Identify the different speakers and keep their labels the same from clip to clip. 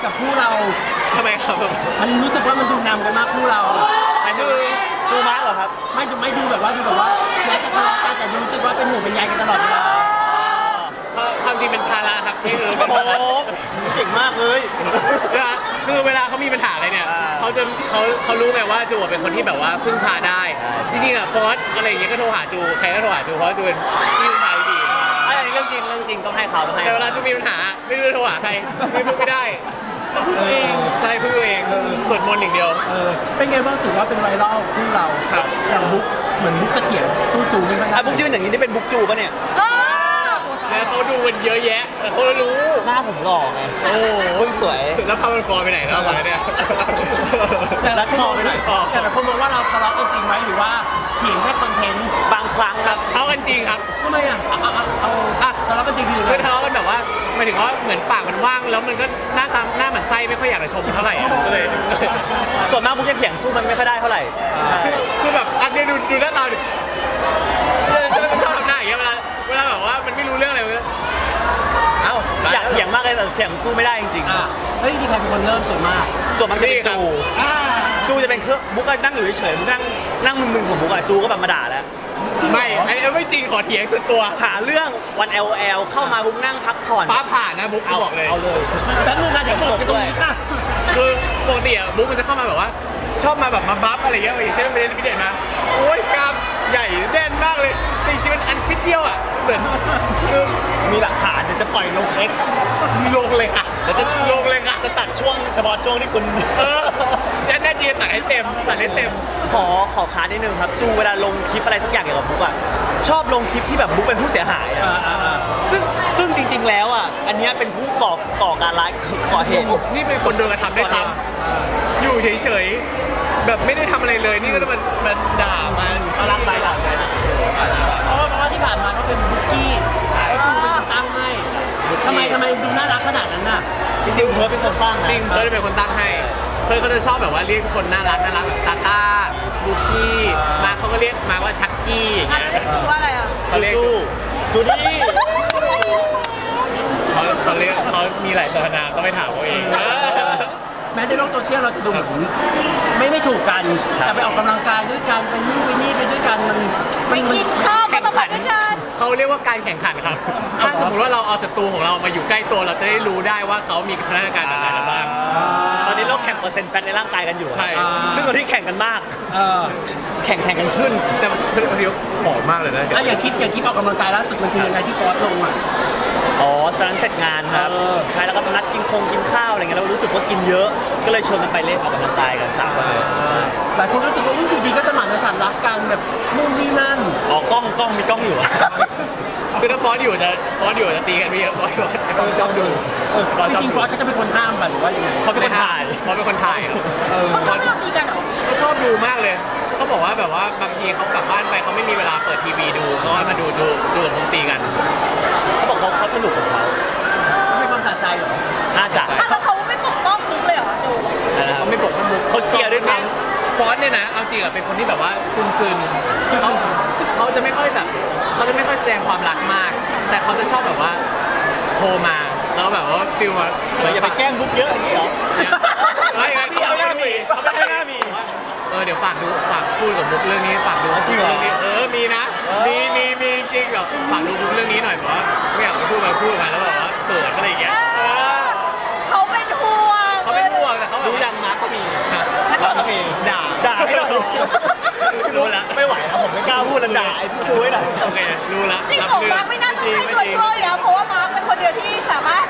Speaker 1: กับคู่เรา
Speaker 2: ทำไมครับ
Speaker 1: มันรู้สึกว่ามันดูนำกันมากคู่เรา
Speaker 2: คือจูมาร์เหรอครับ
Speaker 1: ไม่ดูแบบว่าแม้จะทะเลาะกันแต่รู้สึกว่าเป็นหมู่เป็นใยกันตลอดเวลา
Speaker 2: ความจริงเป็นภาระครับที่คือเป็นภาระ
Speaker 3: เก่งมากเลย
Speaker 2: คือเวลาเขามีปัญหาอะไรเนี่ยเขารู้ไงว่าจูเป็นคนที่แบบว่าพึ่งพาได้จริงๆอ่ะฟอสอะไรอย่างเงี้ยก็โทรหาจูใครก็โทรหาจูเพราะจูเป็นที่พึ่งพาดี
Speaker 3: อันนี้เรื่องจริงต้องให้เขา
Speaker 2: แต่เวลาจูมีปัญหาไม่รู้จะโทรหาใครไม่ได้
Speaker 1: พึ่งตัวเอง
Speaker 2: ใช่พึ่งตัวเองสวดมนต์อย่างเดียว
Speaker 1: เป็นไงบ้างรู้สึกว่าเป็นไวรัลคู่เราอย่างบุ๊กเหมือนบุ๊กจะเถียงสู้จูไม่ค่อยได้
Speaker 3: บุ๊กยืนอย่างนี้นี่เป็นบุ๊กจูป่ะเนี่ย
Speaker 2: แล้วเขาดูมันเยอะแยะแต่เขารู้
Speaker 3: หน้าผมหล่อไงโอ้คุณสวย
Speaker 2: แล้วพามันฟอไปไหนแล้ววะเนี่ย
Speaker 1: แต่ละคนไปไหนแต่ละคนมองว่าเราทะเลาะกันจริงไหมหรือว่าเถียงแค่คอนเทนต์
Speaker 3: บางครั้งครับ
Speaker 2: ทะเลาะกันจริงครับ
Speaker 1: ทำไมอ่ะทะเลาะกันจริง
Speaker 2: คือทะเลาะกันแบบว่าหมายถึงว่าเหมือนปากมันว่างแล้วมันก็หน้าหมันไส้ไม่ค่อยอยากจะชมเท่าไหร่ก็เลย
Speaker 3: ส่วนมากบุ๊กจะเถียงสู้มันไม่ค่อยได้เท่าไหร่
Speaker 2: คือแบบอันนี้ดูหน้าตาดิชอบทำหน้าอย่างเงี้ยเวลาแบบว่ามันไม่รู้เรื่องอะไรเลย
Speaker 3: อยากเถียงมากเลยแต่เถียงสู้ไม่ได้จริง
Speaker 1: เฮ้ยที่ใครเป็นคนเริ่มส่วนมาก
Speaker 3: จะเป็นจูจะเป็นเครื่องบุ๊กก็นั่งอยู่เฉยๆบุ๊กนั่งมึนๆของบุ๊กอะจูก็แบบมาด่าแล้ว
Speaker 2: ไม่ไอ้ไม่จริงขอเถียงสุดตัว
Speaker 3: หาเรื่องวัน LOL เข้ามาบุ๊กนั่งพักผ่อน
Speaker 2: ฟ้าผ่านะบุ๊กบอกเลย
Speaker 3: เอาเลย
Speaker 1: แป๊บนึงค่ะเดี๋ยวบอกกันตรงนี้ค่ะ
Speaker 2: คือปกติอะบุ๊กมันจะเข้ามาแบบว่าชอบมาแบบมาบัฟอะไรเงี้ยอย่างเช่นไปเล่นพิเศษมาโอ้ยกล้ามใหญ่แน่นมากเลยจริงๆมันอันพิดเดียวอะเหมือนคือ
Speaker 3: มีหลักฐานเดี๋ยวจะปล่อยลง X
Speaker 2: ลงเลยค่ะเดี๋ยวจะลงเลยค่ะ
Speaker 3: จะตัดช่วงเฉพาะช่วงที่คุณ
Speaker 2: ยันแน่จริงตัดให้เต็ม
Speaker 3: ขอค้านนิดนึงครับจูเวลาลงคลิปอะไรสักอย่างเกี่ยวกับบุ๊กอะชอบลงคลิปที่แบบบุ๊กเป็นผู้เสียหายซึ่งจริงๆแล้วอะอันนี้เป็นผู้ก่อการร้ายก่อเหตุ
Speaker 2: นี่เป็นคนโดนกระทำได้ซ้ำอยู่เฉยๆแบบไม่ได้ทำอะไรเลยนี่ก็มันด่ามัน
Speaker 3: รักไปด่าไป
Speaker 1: เพราะว่าที่ผ่านมาเขาเป็นบุ๊กกี้ไอ้จูเป็นคนตั้งให้ทำไมดูน่ารักขนาดนั้นน่ะ
Speaker 3: จริงๆเพิร์ดเป็นคนตั้ง
Speaker 2: จริงเพิร์ดเป็นคนตั้งให้เพิร์ดเขาจะชอบแบบว่าเรียกคนน่ารักแบบตาต้าบุ๊กกี้มาเขาก็เรียกมาว่าชักกี้อย่างเงี้ย
Speaker 4: เรียกจูว่าอะไรอ่ะ
Speaker 3: จูดี้
Speaker 2: เขามีหลายสถานะก็ไปถามเขาเอง
Speaker 1: แม้ในโลกโซเชียลเราจะดูเหมือนไม่ถูกกันแต่ไปออกกำลังกายด้วยกันไปนี่ไปด้วยกันมัน
Speaker 4: กินข้าวก็ต้องไปด้วยกัน
Speaker 2: เขาเรียกว่าการแข่งขันครับถ้าสมมติว่าเราเอาศัตรูของเรามาอยู่ใกล้ตัวเราจะได้รู้ได้ว่าเขามีพัฒนาการอะไรบ้าง
Speaker 3: ตอนนี้เราแข่งเปอร์เซ็นต์แฟตในร่างกายกันอยู่
Speaker 2: ใช่
Speaker 3: ซึ่งตอนที่แข่งกันมากแข่งกันขึ้น
Speaker 2: แต่เดี๋ยวผอมมากเลยนะ
Speaker 1: อย่างคลิปออกกำลังกายล่าสุดมันคือยังไงที่ฟอสลงอ่ะ
Speaker 3: สารเสร็จงานครับใช่แล้วก็นัดกินข้าวอะไรเงี้ยเรารู้สึกว่ากินเยอะก็เลยชวนกันไปเล่นออกกำลังกายกัน3 คนเลย
Speaker 1: หลายคนรู้สึกว่าอยู่ดีก็สมานฉันท์รักกันแบบนู่นนี่นั่น
Speaker 3: กล้องมีกล้องอยู่
Speaker 2: คือถ้าฟอสอยู่จะตีกันไม่เยอะฟอส
Speaker 1: จ้องดูจริงฟอสเขาจะเป็นคนห้ามกันหรือว่ายังไง
Speaker 3: เขาเป็นคนถ่าย
Speaker 2: ครับ
Speaker 4: เขาชอบให้เราตีกันเหรอ
Speaker 2: เขาชอบดูมากเลยเขาบอกว่าแบบว่าบางทีเขากลับบ้านไปเขาไม่มีเวลาเปิดทีวีดูก็มาดูกับผมตีกัน
Speaker 3: เขาบอกเขาสนุกของเขา
Speaker 1: ไม่ความสะใจเหรอ
Speaker 3: น่าจะ
Speaker 4: แล้วเขาไม่ปกป้องมุกเลยเหรอดู
Speaker 2: เขาไม่ปกป้องมุก
Speaker 3: เขาเชียร์ด้วยซ้
Speaker 2: ำฟอนต์เนี่ยนะเอาจริงอะเป็นคนที่แบบว่าซึนคือเขาจะไม่ค่อยแบบเขาจะไม่ค่อยแสดงความรักมากแต่เขาจะชอบแบบว่าโทรมาแล้วแบบว่าฟิลว่า
Speaker 3: อย่าไปแกล้งบุ๊กเยอะอย่างนี้หรอ
Speaker 2: ไม่
Speaker 3: เขาไม่น่ามี
Speaker 2: เดี๋ยวฝากพูดกับบุ๊กเรื่องนี้ฝากดู
Speaker 3: จริงเหรอ
Speaker 2: มีนะมีจริงเหรอฝากดูบุ๊กเรื่องนี้หน่อยเพราะว่าไม่อยากพูดมาแล้วแบบว่าเขินอะไรอย่างเงี้ย
Speaker 4: เขาเป็นห่วง
Speaker 2: แต่เขา
Speaker 3: รู้ยังมาร์คเขามี
Speaker 2: ด่าให้เรารู้ละ
Speaker 3: ไม่ไหวแล้วผมไม่กล้าพูดแล้วด่าไอ้พี่ช่วยหน่อย
Speaker 2: โอเครู้ละ
Speaker 4: จริงของมาร์คไม่น่าต้องให้ตัวช่วยแล้วเพราะว่ามาร์คเป็นคนเดียวที่สามารถ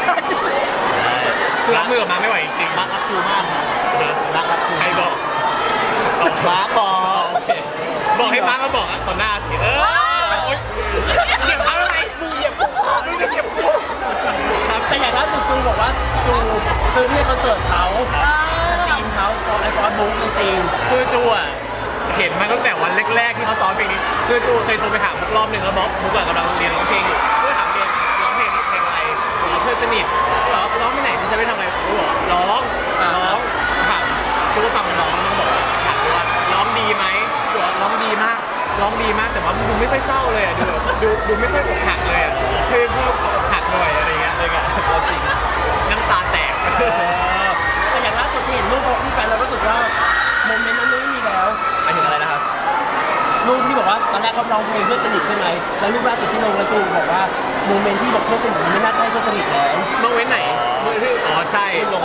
Speaker 2: จูรับมือกับมาร์คไม่ไหวจริง
Speaker 3: มาร์ครักจูมากรักจู
Speaker 2: ใครบอก
Speaker 3: มาร์ค
Speaker 2: บอกให้มาร์คมาบอกต่อหน้าสิเหยียบเขาทำไมมึงเหยียบกูจะเหยียบกู
Speaker 1: ครับแต่อย่างล่าสุดจูบอกว่าจูซื้อที่คอนเสิร์ตเขาทีมเขาไอฟอนบุ๊กในซีน
Speaker 2: คือจูอ่ะเห็นมาตั้งแต่วันแรกๆที่เขาซ้อมเพลงนี้คือจูเคยโทรไปถามบุ๊กรอบนึงแล้วบุ๊กกำลังเรียนร้องเพลงอยู่ก็ถามเรียนร้องเพลงอะไรเพื่อนสนิทร้องไปไหนคุณจะไปทำอะไรกูบอกร้องถามจูก็ฟังมันร้องมันบอกถามว่าร้องดีไหมจูบอกร้องดีมากแต่ว่าดูไม่ค่อยเศร้าเลยอ่ะดูไม่ค่อยอกหักเลยอ่ะเพื่ออกหักหน่อยอะไรเงี้ยเลยกันจริงน้ำตาแตก
Speaker 1: โมเมนต์นั้นไม่มีแล้ว
Speaker 3: หมายถึงอะไรนะครับ
Speaker 1: รูปที่บอกว่าตอนแรกเขาร้องเพลงเพื่อนสนิทใช่ไหมแล้วรูปล่าสุดที่ลงแล้วจูบอกว่าโมเมนต์ที่บอกเพื่อนสนิทมันไม่น่าใช่เพื่อนสนิทแล้ว
Speaker 2: เมื่อเว้นไหนเมื่อที่อ๋อใช่ลง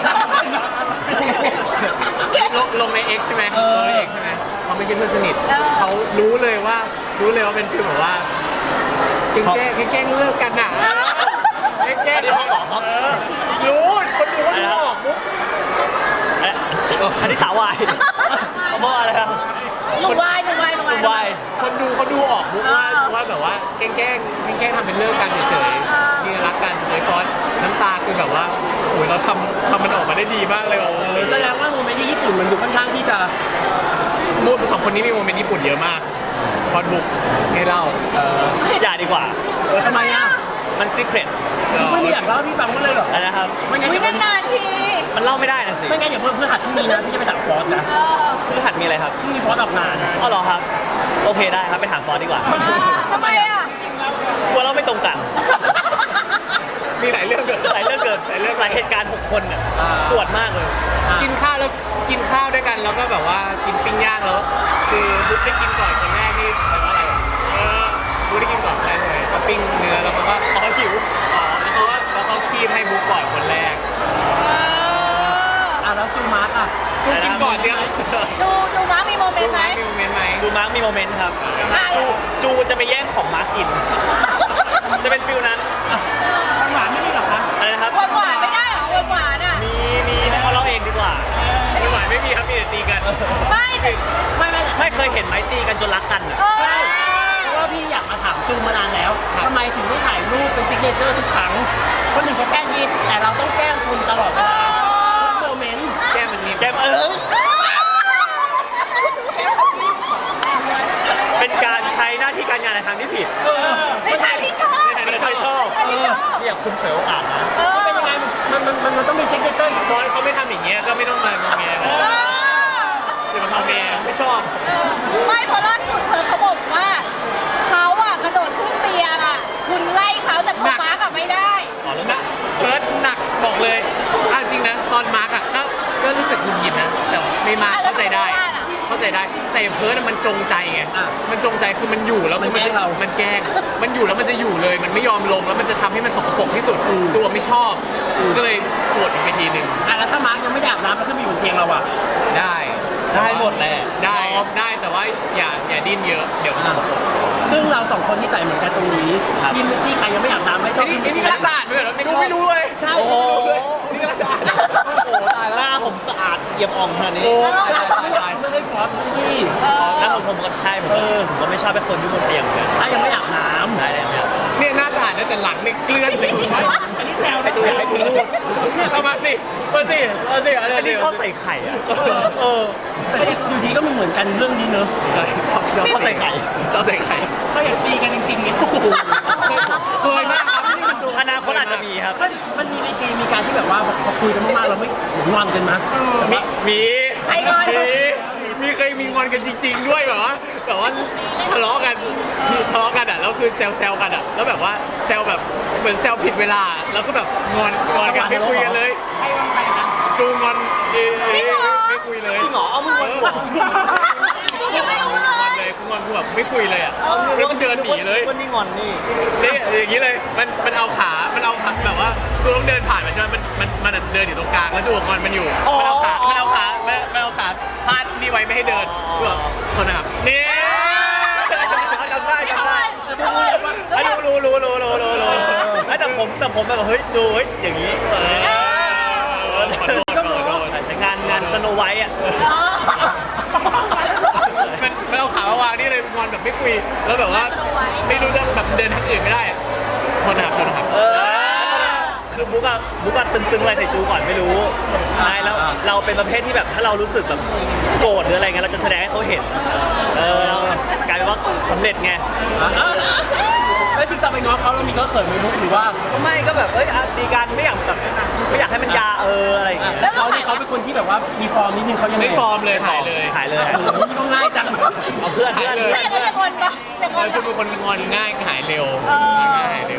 Speaker 2: ใน X ใช่ไหมลงใน X ใช่ไหมเขาไม่ใช่เพื่อนสนิทเขารู้เลยว่าเป็นฟีลแบบว่าแกล้งเลิกกันน่ะแกล้งเขาบอกรู้คนดูว่าออกมุก
Speaker 3: อันนี้สาววายเขาบอกอะไรครับ
Speaker 4: หนุ่มวาย
Speaker 3: วาย
Speaker 2: คนดูเขาดูออกมุกว่าแบบว่าแกล้งทำเป็นเลิกกันเฉยๆที่รักกันเลยฟอนน้ำตาคือแบบว่าโอ้ยเราทำมันออกมาได้ดีมากเลยว่ะ
Speaker 1: แสดงว่าโมเมนต์ที่ญี่ปุ่นมันดูค่อนข้างที่จะ
Speaker 2: สองคนนี้มีโมเมนต์ญี่ปุ่นเยอะมากฟอนบุกให้เล่า
Speaker 3: อย่าดีกว่า
Speaker 1: ทำไมอ่ะ
Speaker 3: มันซีเครต
Speaker 1: ไม่มีอยากเล่าให้พี่ฟังว่าเลยเหรอ
Speaker 3: นะครับ
Speaker 1: ไม่งั้น
Speaker 4: วิ
Speaker 1: เดี๋ยวน
Speaker 4: านๆที
Speaker 3: มันเล่าไม่ได้นะสิ
Speaker 1: ไม่งั้นอย่าเพื่อหัดที่มีนะพี่จะไปถามฟอสนะ
Speaker 3: พฤหัสมีอะไรครับ
Speaker 1: พี่มีฟอสออกงาน
Speaker 3: อ๋อเหรอครับ โอเคได้ครับไปถามฟอสดีกว่า
Speaker 4: ทำไมอ่ะ
Speaker 3: กลัวเราไม่ตรงกัน
Speaker 2: มีหลายเรื่องเกิด
Speaker 3: หลายเรื่องเกิดหลายเหตุการณ์6 คนเนี่ยปวดมากเลย
Speaker 2: กินข้าวด้วยกันแล้วก็แบบว่ากินปิ้งย่างแล้วคือบุ๊กได้กินก่อนคนแรกนี่แปลว่าอะไรบุ๊กได้กินก่อนคนแรกเลยเขาปิ้งเนื้อแล้วเขาก็หิวแล้วเขาคีบให้บุ๊กก่อนคนแรก
Speaker 1: แล้วจูมาร์กอ่ะ
Speaker 2: จูกินก่อนเจ้า
Speaker 4: ดูม้ามีโมเมนต์ไหม
Speaker 2: มีโมเมนต์ไหม
Speaker 3: จูมาร์กมีโมเมนต์ครับ จูจะไปแย่งของมาร์กกิน จะเป็นฟิลนั้น
Speaker 1: หวานไม่มีหรอคะ
Speaker 3: อะไรนะครับ
Speaker 4: หวานไม่ได้เหรอหวานอ่ะ
Speaker 3: มีให้เขาเล่าเองดีกว่า
Speaker 2: ไม่ไหวไม่มีครับมีแต่ตีกัน
Speaker 4: ไม่แต่
Speaker 3: ไม่เคยเห็นไหมตีกันจนรักกันอะ
Speaker 1: ใช่เพราะว่าพี่อยากมาถามจูมานานแล้วทำไมถึงต้องถ่ายรูปเป็นซิกเนเจอร์ทุกครั้งคนหนึ่งเขาแกล้งยินแต่เราต้องแกล้งชมตลอดเวลาทุกโมเมนต์
Speaker 2: แก้มมันมี
Speaker 3: แกมเป็นการใช้หน้าที่การงานในทางที่ผิด
Speaker 4: ในทางที่ชอบ
Speaker 3: ไม่ใช่ชอบ
Speaker 4: ในทางที่ชอบ
Speaker 3: เนี่ยคุณเฉยโอกาสนะ
Speaker 1: เป็นยังไงมันต้องมีซิกเนเจอร์
Speaker 2: ตอนเขาไม่ทำอย่างเงี้ยก็ไม่ต้องมางอแงกันเดี๋ยวมันงอแงไม่ชอบ
Speaker 4: ไม่เพราะล่าสุดเขาบอกว่าเขาอ่ะกระโดดขึ้นเตียงอ่ะคุณไล่เขาแต่พอม้ากับไม่ได้
Speaker 3: อ๋อแล้ว
Speaker 2: นะเพิร์ดหนักบอกเลยจริงนะตอนมาร์กอ่ะก็รู้สึกหงุดหงิดนะแต่ไม่มาเข้าใจได้ แต่เพิร์ดมันจงใจไงมันจงใจคือมันอยู่แล้วมันแกล้งมันอยู่แล้วมันจะอยู่เลย มันไม่ยอมลงแล้วมันจะทำให้มันสกปรกที่สุดจูไม่ชอบก็เลยสวดอีกทีหนึ่ง
Speaker 1: แล้วถ้ามาร์กยังไม่อยากน้ำแล้วถ้ามีบนเตียงเราอ่ะ
Speaker 2: ได้หมดแหละได้แต่ว่าอย่าดิ้นเยอะเดี๋ยวมันสกปรก
Speaker 1: ซึ่งเราสองคนที่ใส่เหมือนกันตรงนี้ที่ใครยังไม่อยากน้ำไม่ชอบ
Speaker 2: ไอ้นี่ก็รักสะอาดไม่เหรอไม่รู้เลย
Speaker 1: ใช่
Speaker 3: โอ้โห
Speaker 2: นี่ก็รักสะอาด
Speaker 3: โอ้โหตายแล้วหน้าผมสะอาดเอี่ยมอ่องขนาดนี้
Speaker 1: ไม่ให้ฟอสที่
Speaker 3: หน้าผมก็ใช่ผมก็ไม่ชอบเป็นคนที่บนเตียงเหมือนกัน
Speaker 1: ถ้ายังไม่อยากน้ำ
Speaker 3: ใช่แล้ว
Speaker 2: เนี่ยหน้าสะอาดนะแต่หลังเนี่ยเกลื่อนเลย
Speaker 1: อันนี้แซว
Speaker 3: ให้ดูให้ดูรูป
Speaker 2: เอามาสิ
Speaker 3: อันนี้ชอบใส่ไข่อ่ะ
Speaker 1: อยู่ดีก็มันเหมือนกันเรื่องนี้เนอะ
Speaker 2: ชอบใส่ไข่
Speaker 1: ก็อยากตีกันจริงๆเนี่ย
Speaker 2: เคยมากครับ
Speaker 3: อนาคตอาจจะมีครับ
Speaker 1: มันมีในเกมมีการที่แบบว่าพอคุยกันมากๆเราไม่งอนกันนะแต่ว่า
Speaker 2: มีเคยมีงอนกันจริงๆด้วยแบบว่าทะเลาะกันอ่ะแล้วคือแซวกันอ่ะแล้วแบบว่าแซวแบบเหมือนแซวผิดเวลาแล้วก็แบบงอนกันไม่คุยกันเลยจูงอนไม่คุยเลย
Speaker 3: จริงเหรอเอามือวาง
Speaker 4: ยังไม่รู้เลย
Speaker 2: กูแบบไม่คุยเลยอ่ะแล้วมันเดินหนีเลย
Speaker 3: วันนี้งอนนี่
Speaker 2: นี่อย่างนี้เลยมันเอาขาแบบว่าจูต้องเดินผ่านมาใช่ไหมมันเดินอยู่ตรงกลางแล้วจูงอนมันอยู่มันเอาขาพาดนี่ไว้ไม่ให้เดินกูแบบคนนะครับนี่
Speaker 3: จำได้ไอ้รู้แต่ผมแบบเฮ้ยจูเฮ้ยอย่างนี้งานสโนไวท์อ่ะ
Speaker 2: มันเอาขามาวางนี่เลยงอนแบบไม่คุยแล้วแบบว่าไม่รู้จะแบบเดินทางอื่นไม่ได้อะคนนะครับ
Speaker 3: คือบุ๊กอะตึงอะไรใส่จูก่อนไม่รู้ใช่แล้วเราเป็นประเภทที่แบบถ้าเรารู้สึกแบบโกรธหรืออะไรเงี้ยเราจะแสดงให้เขาเห็นแล้วกลายเป็นว่าสำเร็จไง
Speaker 1: แล้วจริงๆตอนไปง้อเขาเรามีก็เขินไหมมุกหรือว่า
Speaker 3: ก็ไม่ก็แบบดีกันไม่อยากให้มันยาอะไรอย่างเงี้ย
Speaker 1: แล้วเขาเป็นคนที่แบบว่ามีฟอร์มนิดนึงเขายัง
Speaker 2: ไม่ฟอร์มเลยถ่ายเลย
Speaker 1: ก็ง่ายจัง
Speaker 3: เอาเพื่อน
Speaker 4: ถ้าอย่างนั้นจะงอนปะจะงอน
Speaker 2: แล้วจูเป็นคนงอนง่ายหายเร็ว
Speaker 1: คิด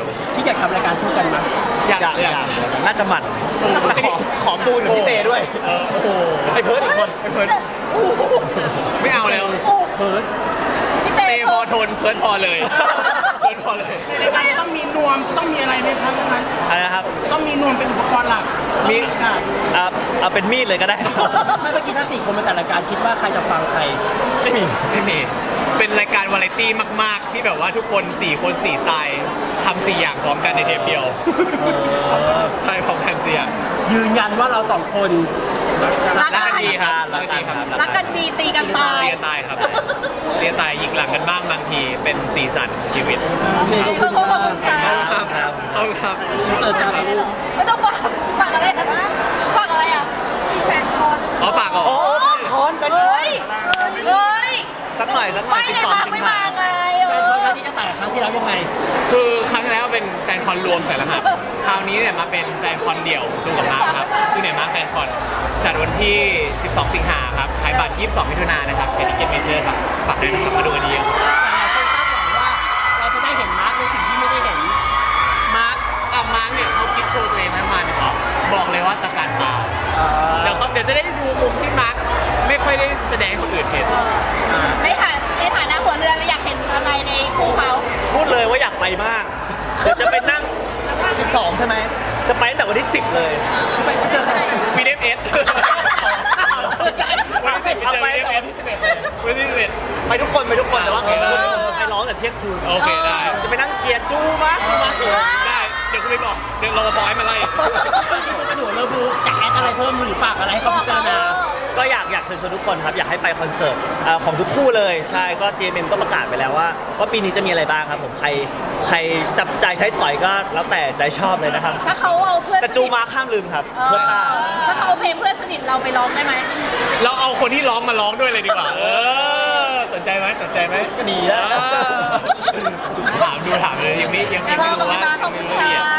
Speaker 1: อยากทำรายการคู่กันมั้ย
Speaker 2: อยาก
Speaker 3: น่าจะหมั่นแต่ขอปูนกับพี่เตด้วย
Speaker 2: โอ้โห
Speaker 3: ไอ้เพิร์ดอีกคน
Speaker 2: ไอ้เพิร์ดไม่เอาแล้ว
Speaker 1: เพิร์ด
Speaker 4: พี่เต้
Speaker 2: เตพอทนเพิร์ดพอเลยเพิร์ดพอเลย
Speaker 5: ในรายการจะต้องมีนวมจะต้องมีอะไรไหมครับนั้น
Speaker 3: อะไรนะครับ
Speaker 5: ต้องมีนวมเป็นอุปกรณ์หลัก
Speaker 3: มี
Speaker 5: ค่ะ
Speaker 3: เอาเป็นมีดเลยก็ได้
Speaker 1: ไม่เมื่อกี้ถ้า4 คนมาจัดรายการคิดว่าใครจะฟังใคร
Speaker 3: ไม่มี
Speaker 2: ไม่มีเป็นรายการวาไรตี้มาก ๆ ที่แบบว่าทุกคน4 คน4 สไตล์ทำ4 อย่างพร้อมกันในเทปเดียว ใช่พร้อมกัน4 อย่าง
Speaker 1: ยืนยันว่าเรา2 คน
Speaker 4: รัก
Speaker 2: รัก
Speaker 4: กั
Speaker 2: กัน นดีครับรักกันดีครับ
Speaker 4: รักกันดีตีกันตาย
Speaker 2: เรียนตายครับเรียนตายยิงหลังกันบ้างบางทีเป็นสีสันของชีวิต
Speaker 4: โอเคขอบคุณค่ะ
Speaker 2: ครับเอาครับ
Speaker 1: เสิร์ฟครับ
Speaker 4: ไม่ต้องฝากอะไรนะฝากอะไรอ่ะมีแฟนคอน
Speaker 2: อ๋อปากเหรอ
Speaker 3: โอ้คอนเป็น
Speaker 4: เฮ้ยเฮ้ย
Speaker 3: สักหน่อย
Speaker 4: ไม่ไงมาไม่มาไง
Speaker 1: แฟนคอนครั้งนี้จะต่างกับครั้งที่แล้วยังไง
Speaker 2: คือครั้งที่แล้วเป็นแฟนคอนรวมใส่รหัสคราวนี้เนี่ยมาเป็นแฟนคอนเดี่ยวจูกับมาร์คครับจูเนี่ยมาร์คแฟนคอนจัดวันที่ 12 สิงหาครับขายบัตร 22 มิถุนายนนะครับเป็นทิเก็ตเมเจอร์ครับฝากด้วยนะครับมาดูกันดีครับ
Speaker 1: แต่หลายคนคาดหวังว่าเราจะได้เห็นมาร์คในสิ่งที่ไม่ได้เห็น
Speaker 2: มาร์คเนี่ยเขาคิดโชว์ตัวเองมาประมาณบอกเลยว่าตะการตาเดี๋ยวจะได้ดูมุมที่มาร์คไม่ค่อยได้แสดงให้คนอื่นเห็น
Speaker 4: ในฐานะหัวเรือเราอยากเห็นอะไรในคู่เขา
Speaker 3: พูดเลยว่าอยากไปมาก เดี๋ยวจะไปนั่ง 12 ใช่ไหม จะไปตั้งแต่วันที่ 10 เลย
Speaker 1: ไปเจอใคร
Speaker 2: มีเดฟเอส
Speaker 3: เอาไปตั้งแต่วันที่ 11 เลย
Speaker 2: วันที่11
Speaker 3: ไปทุกคนแต่ว่าไปร้องแต่เที่ยงคืน
Speaker 2: โอเคได้
Speaker 3: จะไปนั่งเชียร์จูมากมากเลย
Speaker 2: ได้เดี๋ยวคุณไปบอกเดี๋ยวรปภให้มาไล่
Speaker 1: กระโดดเลิฟบูจะแอดอะไรเพิ่มหรือฝากอะไรให้เขาพิจารณา
Speaker 3: ก็อยากเชิญชวนทุกคนครับ อยากให้ไปคอนเสิร์ตของทุกคู่เลย ใช่ก็ JMM ก็ประกาศไปแล้วว่าปีนี้จะมีอะไรบ้างครับผมใครจับใจใช้สอยก็แล้วแต่ใจชอบเลยนะครับ
Speaker 4: ถ้าเขาเอาเพื่อน
Speaker 3: แต่จูมาข้ามลืมครับเพื่อนตา
Speaker 4: ถ้าเขาเอาเพลงเพื่อนสนิทเราไปร้องได้ไหม
Speaker 2: เราเอาคนที่ร้องมาร้องด้วยเลยดีกว่า สนใจไหม
Speaker 3: ก็ดีนะ
Speaker 2: ถามเลยยังไม่รู้ว่า
Speaker 4: ขอบคุณค่ะ